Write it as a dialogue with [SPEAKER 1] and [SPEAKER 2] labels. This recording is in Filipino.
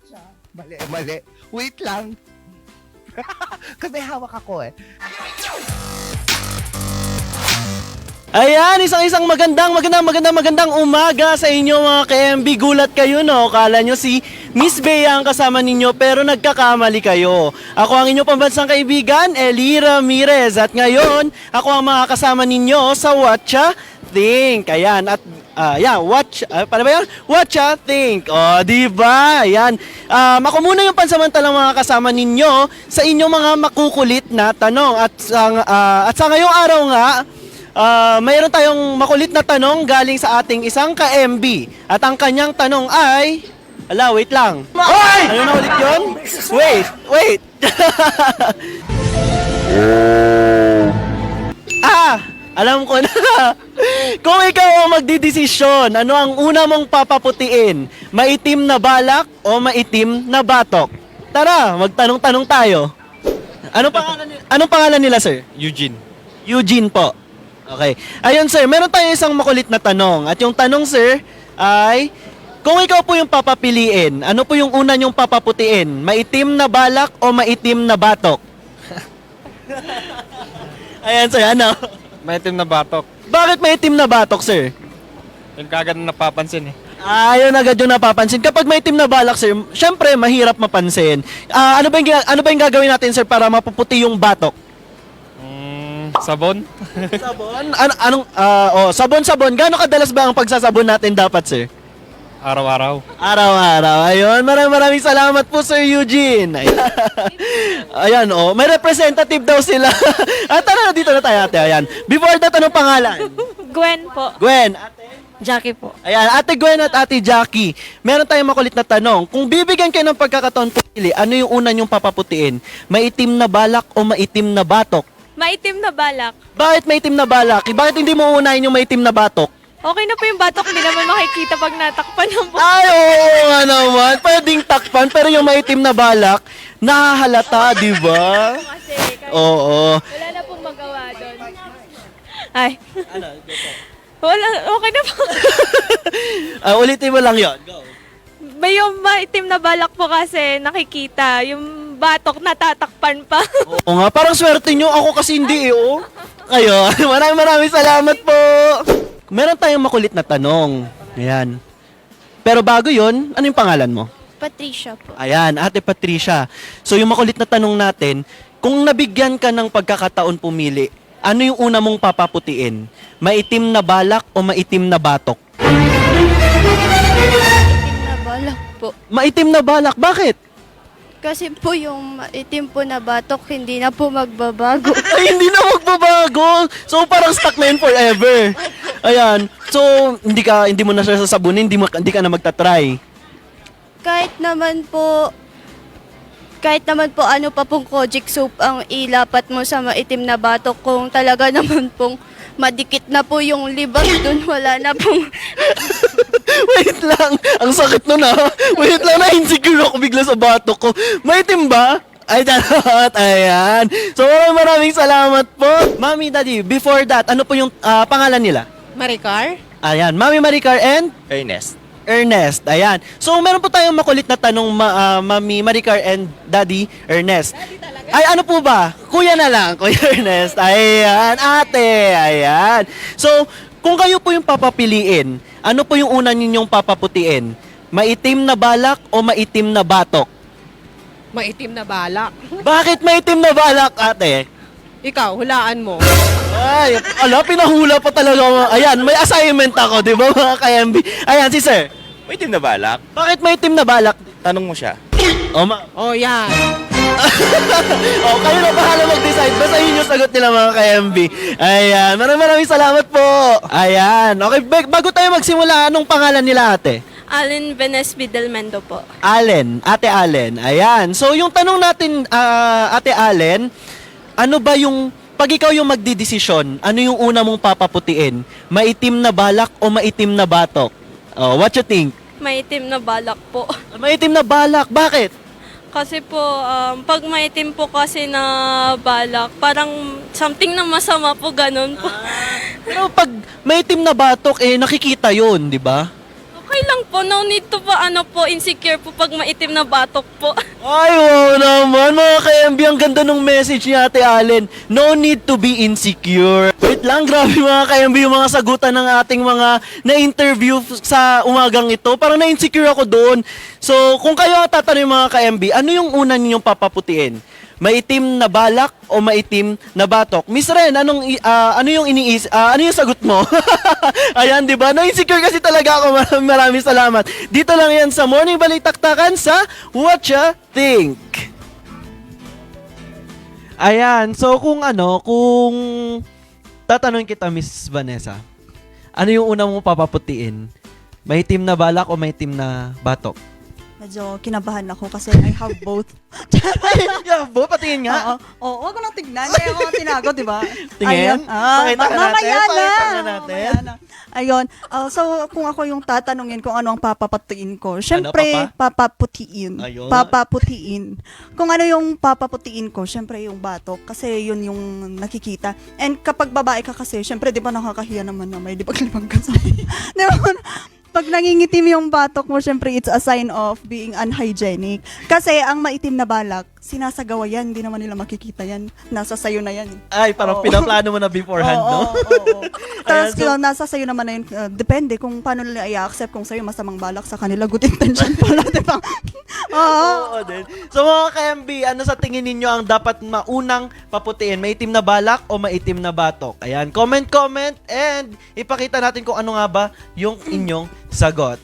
[SPEAKER 1] Watcha. Mali, mali. Wait lang. Kasi may hawak ako eh.
[SPEAKER 2] Ayan, isang magandang umaga sa inyo mga ka-MB. Gulat kayo, no? Kala nyo si Miss Bea ang kasama ninyo pero nagkakamali kayo. Ako ang inyong pambansang kaibigan, Eli Ramirez. At ngayon, ako ang mga kasama ninyo sa Watcha Think. Ayan, at paano ba yun? Watcha Think. O, diba? Ayan. Ako muna yung pansamantalang mga kasama ninyo sa inyong mga makukulit na tanong. At sa ngayong araw nga, mayroon tayong makulit na tanong galing sa ating isang ka-MB. At ang kanyang tanong ay... wait lang. Oy! Ano na ulit yun? Wait. Alam ko na. Kung ikaw ang magdidesisyon, ano ang una mong papaputiin? Maitim na balak o maitim na batok? Tara, magtanong-tanong tayo. Anong pangalan nila, sir?
[SPEAKER 3] Eugene.
[SPEAKER 2] Eugene po. Okay. Ayun sir, meron tayong isang makulit na tanong. At yung tanong sir ay, kung ikaw po yung papapiliin, ano po yung una nyong papaputiin? Maitim na balak o maitim na batok? Ayan sir, ano?
[SPEAKER 3] Maitim na batok.
[SPEAKER 2] Bakit maitim na batok sir?
[SPEAKER 3] Yung kagad na napapansin eh.
[SPEAKER 2] Ayun agad yung napapansin. Kapag maitim na balak sir, syempre mahirap mapansin. Ano ba yung gagawin natin sir para mapuputi yung batok?
[SPEAKER 3] Sabon?
[SPEAKER 2] Sabon? Sabon. Gaano kadalas ba ang pagsasabon natin dapat, sir?
[SPEAKER 3] Araw-araw.
[SPEAKER 2] Araw-araw. Ayun, maraming salamat po, Sir Eugene. Ayan, may representative daw sila. Tara, dito na tayo, ate. Ayan. Before that, anong pangalan?
[SPEAKER 4] Gwen po.
[SPEAKER 2] Gwen, ate.
[SPEAKER 4] Jackie po.
[SPEAKER 2] Ayan, ate Gwen at ate Jackie. Meron tayong makulit na tanong. Kung bibigyan kayo ng pagkakataon pumili, ano yung una nyong papaputiin? Maitim na balak o maitim na batok?
[SPEAKER 4] Maitim na balak.
[SPEAKER 2] Bakit maitim na balak? Bakit hindi mo unahin yung maitim na batok?
[SPEAKER 4] Okay na po yung batok, hindi naman makikita pag natakpan ng po.
[SPEAKER 2] Ay, oo nga naman. Pwedeng takpan, pero yung maitim na balak, nahahalata, di ba?
[SPEAKER 4] Kasi
[SPEAKER 2] Oo.
[SPEAKER 4] wala na pong magawa doon. Ay. Wala, okay na po.
[SPEAKER 2] Ulitin mo lang yon. Go.
[SPEAKER 4] May yung maitim na balak po kasi nakikita. Yung batok natatakpan pa.
[SPEAKER 2] Oo nga, parang swerte nyo. Ako kasi hindi Kayo, maraming salamat po. Meron tayong makulit na tanong. Ayan. Pero bago yon, ano yung pangalan mo?
[SPEAKER 4] Patricia po.
[SPEAKER 2] Ayan, Ate Patricia. So yung makulit na tanong natin, kung nabigyan ka ng pagkakataon pumili, ano yung una mong papaputiin? Maitim na balak o maitim na batok?
[SPEAKER 5] Maitim na balak po.
[SPEAKER 2] Maitim na balak, bakit?
[SPEAKER 5] Kasi po yung maitim po na batok, hindi na po magbabago.
[SPEAKER 2] Ay, hindi na magbabago. So parang stuck na yun forever. Ayan. So hindi mo na siya sasabunin, hindi ka na magta-try.
[SPEAKER 5] kahit naman po ano pa pong Kojic soap ang ilapat mo sa maitim na batok, kung talaga naman pong madikit na po yung libag dun, wala na pong...
[SPEAKER 2] Wait lang. Ang sakit nun Wait lang, na-insecure ako bigla sa batok ko. Maitim ba? Ay, dapat. Ayan. So, maraming salamat po. Mami, Daddy, before that, ano po yung pangalan nila?
[SPEAKER 6] Maricar?
[SPEAKER 2] Ayan. Mami Maricar and Ernest. Ayan. So, meron po tayong makulit na tanong, Mami Maricar and Daddy Ernest. Ay, ano po ba? Kuya na lang, Kuya Ernest. Ayan, ate. Ayan. So, kung kayo po yung papapiliin, ano po yung una ninyong papaputiin? Maitim na balak o maitim na batok?
[SPEAKER 6] Maitim na balak.
[SPEAKER 2] Bakit maitim na balak, ate?
[SPEAKER 6] Ikaw, hulaan mo.
[SPEAKER 2] Ay, pinahula pa talaga. Ayan, may assignment ako, di ba mga ka-MB? Ayan, si sir.
[SPEAKER 7] Maitim na balak?
[SPEAKER 2] Bakit maitim na balak?
[SPEAKER 7] Tanong mo siya.
[SPEAKER 6] Oh, yan.
[SPEAKER 2] Kayo na bahala mag-decide. Basta yun yung sagot nila mga ka-MB. Ayan, maraming salamat po. Ayan, okay, bago tayo magsimula, anong pangalan nila ate?
[SPEAKER 4] Allen Venesby Del Mendo po.
[SPEAKER 2] Allen, Ate Allen. Ayan, so yung tanong natin, Ate Allen, ano ba yung, pag ikaw yung magdidesisyon, ano yung una mong papaputiin? Maitim na balak o maitim na batok? Oh, what you think?
[SPEAKER 4] Maitim na balak po.
[SPEAKER 2] Maitim na balak, bakit?
[SPEAKER 4] Kasi po, pag maitim po kasi na balak, parang something na masama po, ganun po.
[SPEAKER 2] Pero pag maitim na batok, nakikita yun, di ba?
[SPEAKER 4] Okay lang po. No need to pa insecure po pag maitim na batok po.
[SPEAKER 2] Ay, wow naman mga ka-MB. Ang ganda ng message ni Ate Allen. No need to be insecure. Wait lang, grabe mga ka-MB yung mga sagutan ng ating mga na-interview sa umagang ito. Parang na-insecure ako doon. So, kung kayo ang tatanungin mga ka-MB, ano yung una ninyong papaputiin? Maitim na balak o maitim na batok? Miss Ren, ano yung sagot mo? Ayan, di ba? Na-insecure kasi talaga ako. Maraming salamat. Dito lang yan sa Morning Balitaktakan sa What Ya Think. Ayan, so kung tatanungin kita, Miss Vanessa, ano yung una mong papaputiin? Maitim na balak o maitim na batok?
[SPEAKER 8] Medyo kinabahan ako kasi I have both.
[SPEAKER 2] Yeah, patingin nga.
[SPEAKER 8] Oo, wag ko nang tignan. Kaya ako tinago, di ba?
[SPEAKER 2] Tingin? Pakita ka natin.
[SPEAKER 8] Mamaya
[SPEAKER 2] Pakita
[SPEAKER 8] na.
[SPEAKER 2] natin.
[SPEAKER 8] Ayun. So, kung ako yung tatanungin kung ano ang papaputiin ko, syempre, papaputiin.
[SPEAKER 2] Ayun.
[SPEAKER 8] Papaputiin. Kung ano yung papaputiin ko, syempre yung batok. Kasi yun yung nakikita. And kapag babae ka kasi, syempre, di ba nakakahiya naman na may libag-libag ka sa di ba? Pag nangingitim yung batok mo, syempre it's a sign of being unhygienic. Kasi ang maitim na balak, sinasagawa yan, hindi naman nila makikita yan. Nasa sayo na yan.
[SPEAKER 2] Ay, parang
[SPEAKER 8] Oo.
[SPEAKER 2] pinaplano mo na beforehand, no?
[SPEAKER 8] Oo. Tapos
[SPEAKER 2] Ayan, so-
[SPEAKER 8] nasa sayo naman na yun. Depende kung paano nila i-accept kung sa'yo masamang balak sa kanila. Good intention pala, di ba? Oo.
[SPEAKER 2] Oo din. So mga ka-MB, ano sa tingin ninyo ang dapat maunang paputiin? Maitim na balak o maitim na batok? Ayan, comment and ipakita natin kung ano nga ba yung inyong sagot.